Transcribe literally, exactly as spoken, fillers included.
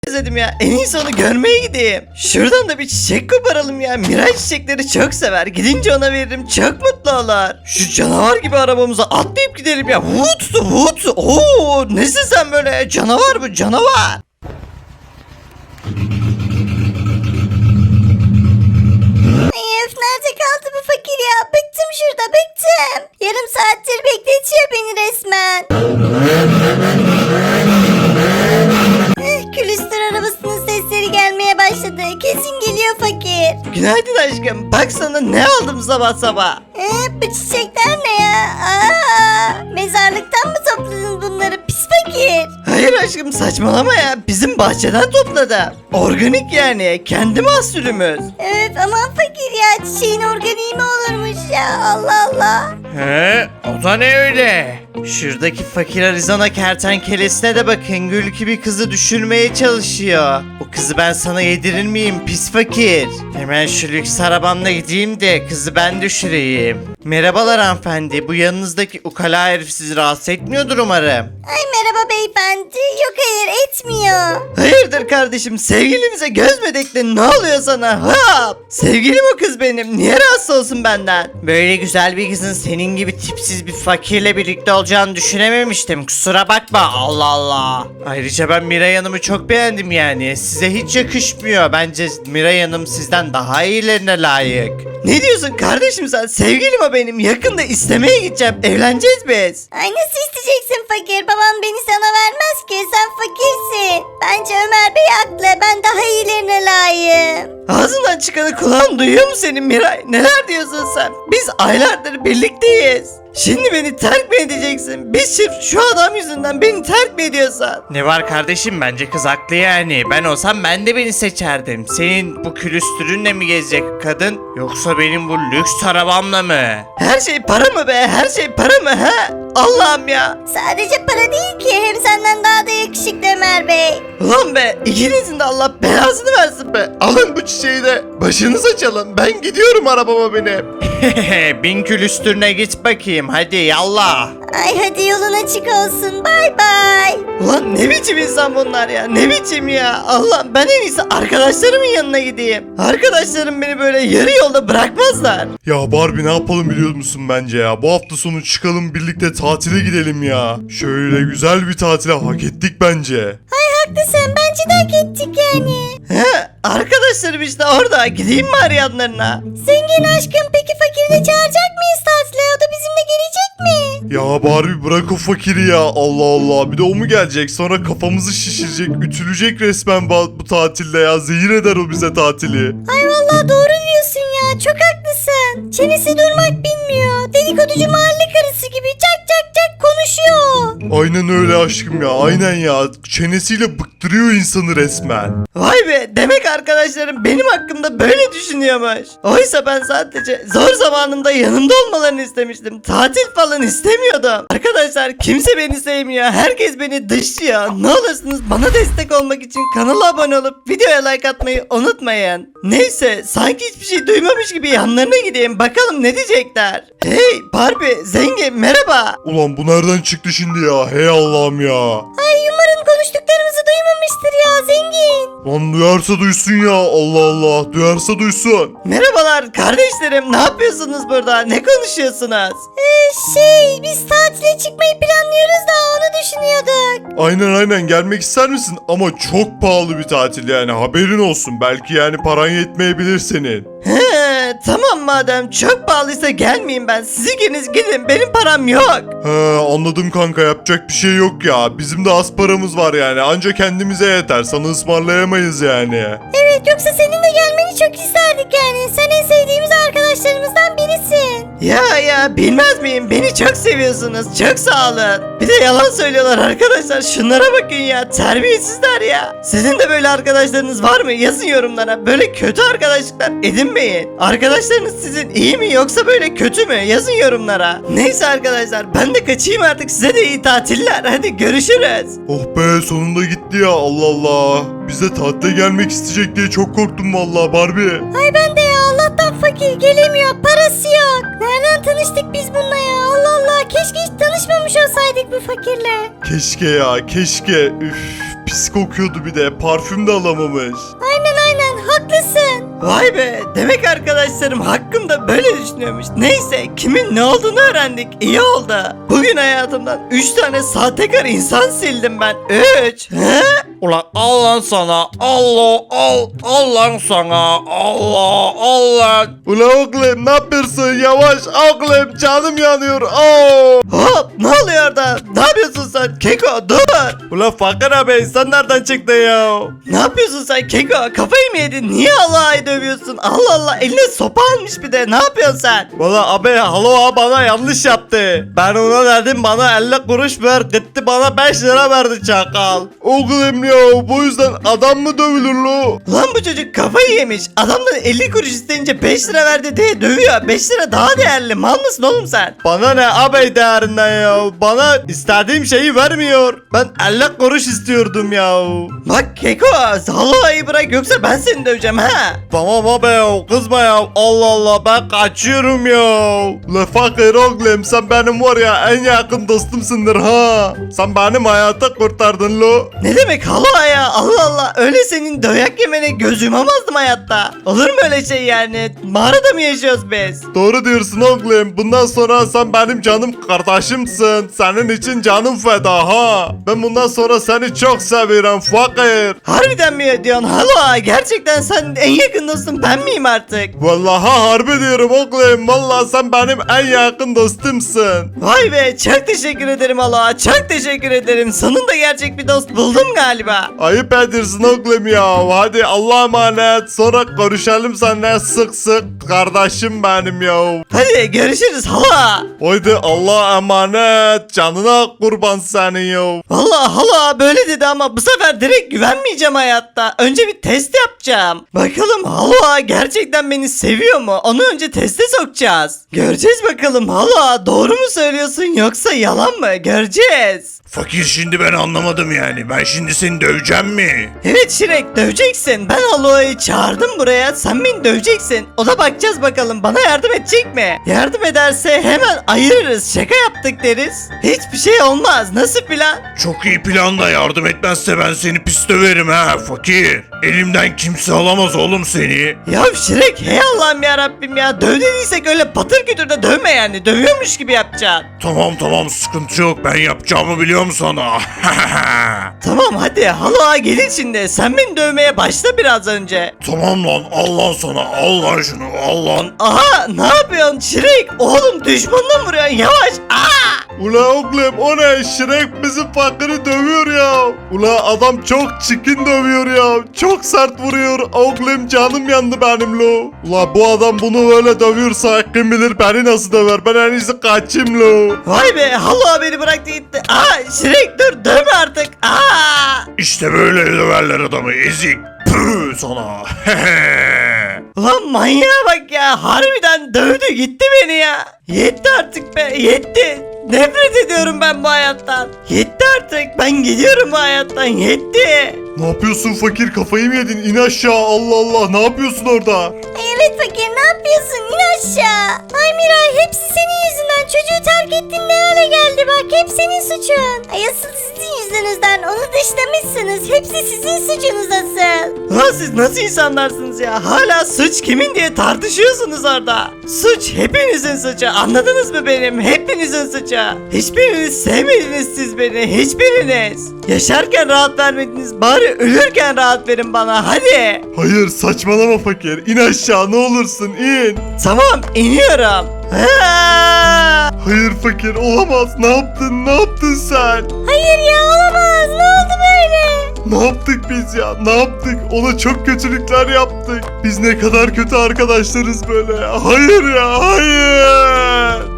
özledim ya. En iyisi onu görmeye gideyim. Şuradan da bir çiçek koparalım ya. Miray çiçekleri çok sever. Gidince ona veririm. Çok mutlu olur. Şu canavar gibi arabamıza atlayıp gidelim ya. Vut vut. Oo, nesin sen böyle? Canavar bu canavar. Ay öf, nerede kaldı bu fakir ya? Bıktım şurada, bıktım. Yarım saattir bekletiyor beni resmen. Eh, külüstür arabasının sesleri gelmeye başladı. Kesin geliyor fakir. Günaydın aşkım. Bak sana ne aldım sabah sabah. Eh, bu çiçekler ne ya? Aa, mezarlıktan mı topladın bunları pis fakir? Hayır aşkım saçmalama ya. Bizim bahçeden topladım. Organik yani. Kendi mahsulümüz. Evet aman fakir ya, çiçeğin organiği mi olurmuş ya, Allah Allah. He, o da ne öyle? Şuradaki fakir Arizona kertenkelesine de bakın. Gül gibi kızı düşürmeye çalışıyor. O kızı ben sana yedirir miyim pis fakir? Hemen şu lüks arabamla gideyim de kızı ben düşüreyim. Merhabalar hanımefendi. Bu yanınızdaki ukala herif sizi rahatsız etmiyordur umarım. Ay merhaba beyefendi. Yok hayır, etmiyor. Hayırdır kardeşim, sevgilimize göz mü diktin, ne oluyor sana? Hop! Sevgilim o kız benim, niye rahatsız olsun benden? Böyle güzel bir kızın senin gibi tipsiz bir fakirle birlikte olacağını düşünememiştim, kusura bakma. Allah Allah. Ayrıca ben Miray Hanım'ı çok beğendim yani. Size hiç yakışmıyor. Bence Miray Hanım sizden daha iyilerine layık. Ne diyorsun kardeşim sen? Sevgilim o benim. Yakında istemeye gideceğim. Evleneceğiz biz. Ay nasıl isteyeceksin fakir? Babam beni sana vermez ki. Sen fakirsin. Bence Ömer Bey haklı. Ben daha iyilerine layığım. Ağzından çıkanı kulağın duyuyor mu senin Miray? Neler diyorsun sen? Biz aylardır birlikteyiz. Şimdi beni terk mi edeceksin? Biz sırf şu adam yüzünden beni terk mi ediyorsan? Ne var kardeşim, bence kız haklı yani. Ben olsam ben de beni seçerdim. Senin bu külüstürünle mi gezecek kadın? Yoksa benim bu lüks arabamla mı? Her şey para mı be? Her şey para mı he? Allah'ım ya. Sadece para değil ki. Hem senden daha da yakışıklı Ömer Bey. Ulan be, ikinizin de Allah belasını versin be. Alın bu çiçeği de başınıza çalın. Ben gidiyorum arabama binip. Bin külüstürüne git bakayım, hadi yallah. Ay hadi yolun açık olsun. Bay bay. Ulan ne biçim insan bunlar ya, ne biçim ya. Allah, ben en iyisi arkadaşlarımın yanına gideyim. Arkadaşlarım beni böyle yarı yolda bırakmazlar. Ya Barbie ne yapalım biliyor musun bence ya? Bu hafta sonu çıkalım birlikte tatile gidelim ya. Şöyle güzel bir tatile hak ettik bence. Ay haklısın. Bence de hak ettik yani. He, arkadaşlarım işte orada, gideyim mi arayanlarına? Zengin aşkım, peki fakiri de çağıracak mıyız tatile? O da bizimle gelecek mi? Ya Barbie bırak o fakiri ya. Allah Allah. Bir de o mu gelecek? Sonra kafamızı şişirecek, ütülecek resmen bu, bu tatilde ya. Zehir eder o bize tatili. Ay vallahi doğru diyorsun ya. Çok haklısın. Çenesi durmak bilmiyor. Dedikoducu mahalle karısı gibi çak çak çak konuşuyor. Aynen öyle aşkım ya. Aynen ya. Çenesiyle bıktırıyor insanı resmen. Vay be, demek arkadaşlarım benim hakkımda böyle düşünüyormuş. Oysa ben sadece zor zamanımda yanımda olmalarını istemiştim. Tatil falan istemiyordum. Arkadaşlar kimse beni sevmiyor. Herkes beni dışlıyor. Ne olursunuz bana destek olmak için kanala abone olup videoya like atmayı unutmayın. Neyse, sanki hiçbir şey duymamış gibi yanlarına gideyim. Bakalım ne diyecekler. Hey Barbie, zengin merhaba. Ulan bu nereden çıktı şimdi ya? Hey Allah'ım ya. Ay umarım konuştuklarımızı duymamıştır ya zengin. Lan duyarsa duysun ya. Allah Allah. Duyarsa duysun. Merhabalar kardeşlerim, ne yapıyorsunuz burada? Ne konuşuyorsunuz? Ee, şey biz tatile çıkmayı planlıyoruz da onu düşünüyorduk. Aynen aynen gelmek ister misin? Ama çok pahalı bir tatil yani haberin olsun. Belki yani paran yetmeyebilir senin. He, tamam madem çok pahalıysa gelmeyeyim ben. Siz ikiniz gidin, benim param yok. He anladım kanka yapacak bir şey yok ya. Bizim de az paramız var yani. Anca kendimize yeter. Sana ısmarlayamayız yani. Evet yoksa senin de gelmeni çok isterdik yani. Sen en sevdiğimiz arkadaşlarımızdan birisin. Ya ya bilmez miyim, beni çok seviyorsunuz, çok sağ olun. Bir de yalan söylüyorlar arkadaşlar, şunlara bakın ya, terbiyesizler ya. Sizin de böyle arkadaşlarınız var mı? Yazın yorumlara. Böyle kötü arkadaşlıklar edinmeyin. Arkadaşlarınız sizin iyi mi yoksa böyle kötü mü? Yazın yorumlara. Neyse arkadaşlar, ben de kaçayım artık, size de iyi tatiller, hadi görüşürüz. Oh be sonunda gitti ya Allah Allah. Bize tatile gelmek isteyecek diye çok korktum vallahi Barbie. Ay ben de ya, Allah'tan fakir gelemiyor, parası yok. Nereden tanıştık biz bununla ya? Allah Allah, keşke hiç tanışmamış olsaydık bu fakirle. Keşke ya keşke. Üf pis kokuyordu bir de. Parfüm de alamamış. Aynen aynen haklısın. Vay be, demek arkadaşlarım hakkımda böyle düşünüyormuş. Neyse, kimin ne olduğunu öğrendik. İyi oldu. Bugün hayatımdan üç tane sahtekar insan sildim ben. üç. He? Ulan al lan sana. Allah al. Al lan sana. Allah al lan. Ula oğlum ne yapıyorsun? Yavaş oğlum, canım yanıyor. Oo. Hop, ne oluyor orada? Ne yapıyorsun sen? Keko dur. Ula fakir abi sen nereden çıktın ya? Ne yapıyorsun sen Keko? Kafayı mı yedin? Niye Allah'ı dövüyorsun? Allah Allah, eline sopa almış bir de. Ne yapıyorsun sen? Valla abi halo bana yanlış yaptı. Ben ona dedim bana elli kuruş ver. Gitti bana beş lira verdi çakal. Oğlum ya bu yüzden adam mı dövülür lo? Lan bu çocuk kafayı yemiş. Adamdan elli kuruş isteyince beş lira verdi diye dövüyor. beş lira daha değerli. Mal mısın oğlum sen? Bana ne abi değerinden ya? Bana istediğim şeyi vermiyor. Ben elli kuruş istiyordum ya. Bak Keko, Allah'ı bırak yoksa ben seni döveceğim ha. Tamam abi ya kızma ya. Allah Allah ben kaçıyorum ya. La fakir oğlum sen benim var ya en yakın dostumsundur ha. Sen benim hayatı kurtardın lo. Ne demek hala ya? Allah Allah, öyle senin dayak yemene göz yumamazdım hayatta. Olur mu öyle şey yani? Mağarada mı yaşıyoruz biz? Doğru diyorsun oğlum. Bundan sonra sen benim canım kardeşimsin. Senin için canım feda ha. Ben bundan sonra seni çok seviyorum fakir. Harbiden mi diyorsun hala? Gerçekten sen en yakın dostum ben miyim artık? Vallahi harbi diyorum oğlum. Vallahi sen benim en yakın dostumsun. Vay be, çok teşekkür ederim hala. Çok teşekkür ederim. Sonunda gerçek bir dost buldum galiba. Ayıp ediyorsun oğlum ya. Hadi Allah'a emanet. Sonra görüşelim seninle sık sık. Kardeşim benim ya. Hadi görüşürüz hala. Haydi Allah'a emanet. Canına kurban senin ya. Vallahi hala böyle dedi ama bu sefer direkt güvenmeyeceğim hayatta. Önce bir test yapacağım. Bakalım hala gerçekten beni seviyor mu? Onu önce teste sokacağız. Göreceğiz bakalım hala, doğru mu söylüyorsun yoksa yalan mı? Göreceğiz. Fakir şimdi ben anlamadım yani. Ben şimdi seni döveceğim mi? Evet Şirek, döveceksin. Ben Aloa'yı çağırdım buraya. Sen beni döveceksin. O da bakacağız bakalım bana yardım edecek mi? Yardım ederse hemen ayırırız. Şaka yaptık deriz. Hiçbir şey olmaz. Nasıl plan? Çok iyi plan da yardım etmezse ben seni pis döverim ha fakir. Elimden kimse alamaz oğlum seni. Ya Şirek, hey Allah'ım ya Rabbim ya. Döv dediysek öyle patır kütür de dövme yani. Dövüyormuş gibi yapacaksın. Tamam tamam sıkıntı yok ben yapacağımı biliyorum sana. Tamam hadi Aloa gelin şimdi. Sen beni dövmeye başla biraz önce. Tamam lan al lan sana al lan şunu al lan. Aha, ne yapıyorsun Şirek? Oğlum düşmanla vuruyorsun, yavaş. Aa! Ula oğlum o ne? Şirek bizim fakiri dövüyor ya. Ula adam çok çirkin dövüyor ya. Çok sert vuruyor. Oğlum canım yandı benim lo. Ula bu adam bunu böyle dövüyorsa kim bilir beni nasıl döver. Ben en iyisi kaçayım lo. Vay be, Aloa beni bıraktı gitti. Aa Şirek dur, dövme artık. Aa! İşte böyle döverler adamı ezik. Püh sana. Lan manyağa bak ya, harbiden dövdü gitti beni ya. Yetti artık be, yetti. Nefret ediyorum ben bu hayattan. Yetti artık, ben gidiyorum bu hayattan, yetti. Ne yapıyorsun fakir, kafayı mı yedin? İn aşağı, Allah Allah, ne yapıyorsun orada? Ay evet fakir ne yapıyorsun? İn aşağı. Ay Miray hepsi senin yüzünden. Çocuğu terk ettin ne hale geldi bak. Hep senin suçun. Ay asıl sizin yüzünüzden. Onu dışlamışsınız. Hepsi sizin suçunuz asıl. Lan siz nasıl insanlarsınız ya? Hala suç kimin diye tartışıyorsunuz orada. Suç hepinizin suçu, anladınız mı benim? Hepinizin suçu. Hiçbiriniz sevmediniz siz beni, hiçbiriniz. Yaşarken rahat vermediniz, bari ölürken rahat verin bana, hadi. Hayır, saçmalama fakir, İn aşağı ne olursun, in. Tamam, iniyorum. Ha! Hayır fakir, olamaz, ne yaptın, ne yaptın sen? Hayır ya olamaz. Ne oldu böyle? Ne yaptık biz ya, ne yaptık? Ona çok kötülükler yaptık. Biz ne kadar kötü arkadaşlarız böyle ya. Hayır ya, hayır.